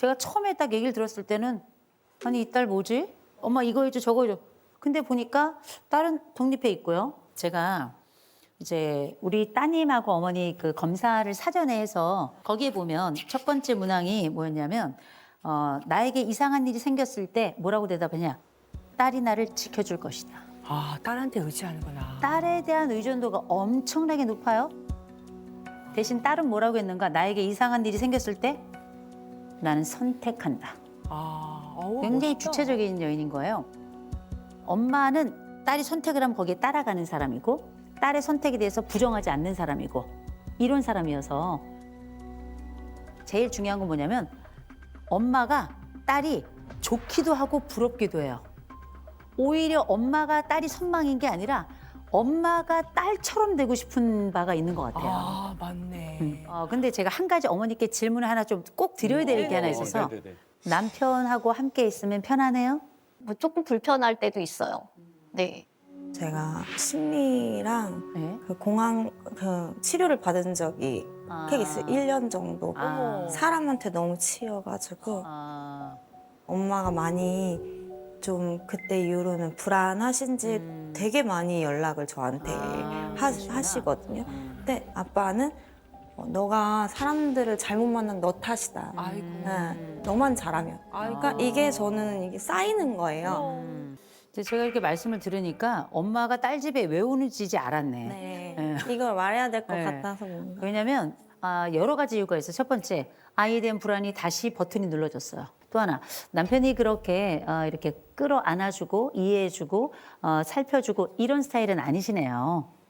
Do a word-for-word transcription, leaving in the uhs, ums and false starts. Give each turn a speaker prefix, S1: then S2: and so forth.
S1: 제가 처음에 딱 얘기를 들었을 때는 아니 이 딸 뭐지? 엄마 이거 해줘 저거 해줘. 근데 보니까 딸은 독립해 있고요. 제가 이제 우리 따님하고 어머니 그 검사를 사전에 해서 거기에 보면 첫 번째 문항이 뭐였냐면 어, 나에게 이상한 일이 생겼을 때 뭐라고 대답하냐? 딸이 나를 지켜줄 것이다.
S2: 아, 딸한테 의지하는구나.
S1: 딸에 대한 의존도가 엄청나게 높아요. 대신 딸은 뭐라고 했는가? 나에게 이상한 일이 생겼을 때 나는 선택한다.
S2: 아, 어우,
S1: 굉장히
S2: 멋있다.
S1: 주체적인 여인인 거예요. 엄마는 딸이 선택을 하면 거기에 따라가는 사람이고 딸의 선택에 대해서 부정하지 않는 사람이고 이런 사람이어서 제일 중요한 건 뭐냐면 엄마가 딸이 좋기도 하고 부럽기도 해요. 오히려 엄마가 딸이 선망인 게 아니라 엄마가 딸처럼 되고 싶은 바가 있는 것 같아요.
S2: 아, 맞네.
S1: 음. 어, 근데 제가 한 가지 어머니께 질문을 하나 좀 꼭 드려야 될 게 하나 있어서
S3: 네네네.
S1: 남편하고 함께 있으면 편하네요?
S4: 뭐 조금 불편할 때도 있어요. 네.
S5: 제가 심리랑
S1: 네.
S5: 그 공황 그 치료를 받은 적이
S1: 아.
S5: 꽤 있어요. 일 년 정도.
S1: 아.
S5: 사람한테 너무 치여가지고
S1: 아.
S5: 엄마가 많이 좀 그때 이후로는 불안하신지
S1: 음.
S5: 되게 많이 연락을 저한테
S1: 아,
S5: 하,
S1: 그러시구나.
S5: 하시거든요.
S1: 음.
S5: 근데 아빠는 어, 너가 사람들을 잘못 만난 너 탓이다.
S2: 아이고.
S5: 네, 너만 잘하면.
S2: 아이고.
S5: 그러니까 이게 저는 이게 쌓이는 거예요.
S1: 음. 이제 제가 이렇게 말씀을 들으니까 엄마가 딸 집에 왜 오는지 알았네.
S5: 네. 이걸 말해야 될 것
S1: 네.
S5: 같아서 뭔가.
S1: 왜냐면 아, 여러 가지 이유가 있어요. 첫 번째, 아이에 대한 불안이 다시 버튼이 눌러졌어요. 또 하나, 남편이 그렇게 어, 이렇게 끌어안아주고 이해해주고 어, 살펴주고 이런 스타일은 아니시네요.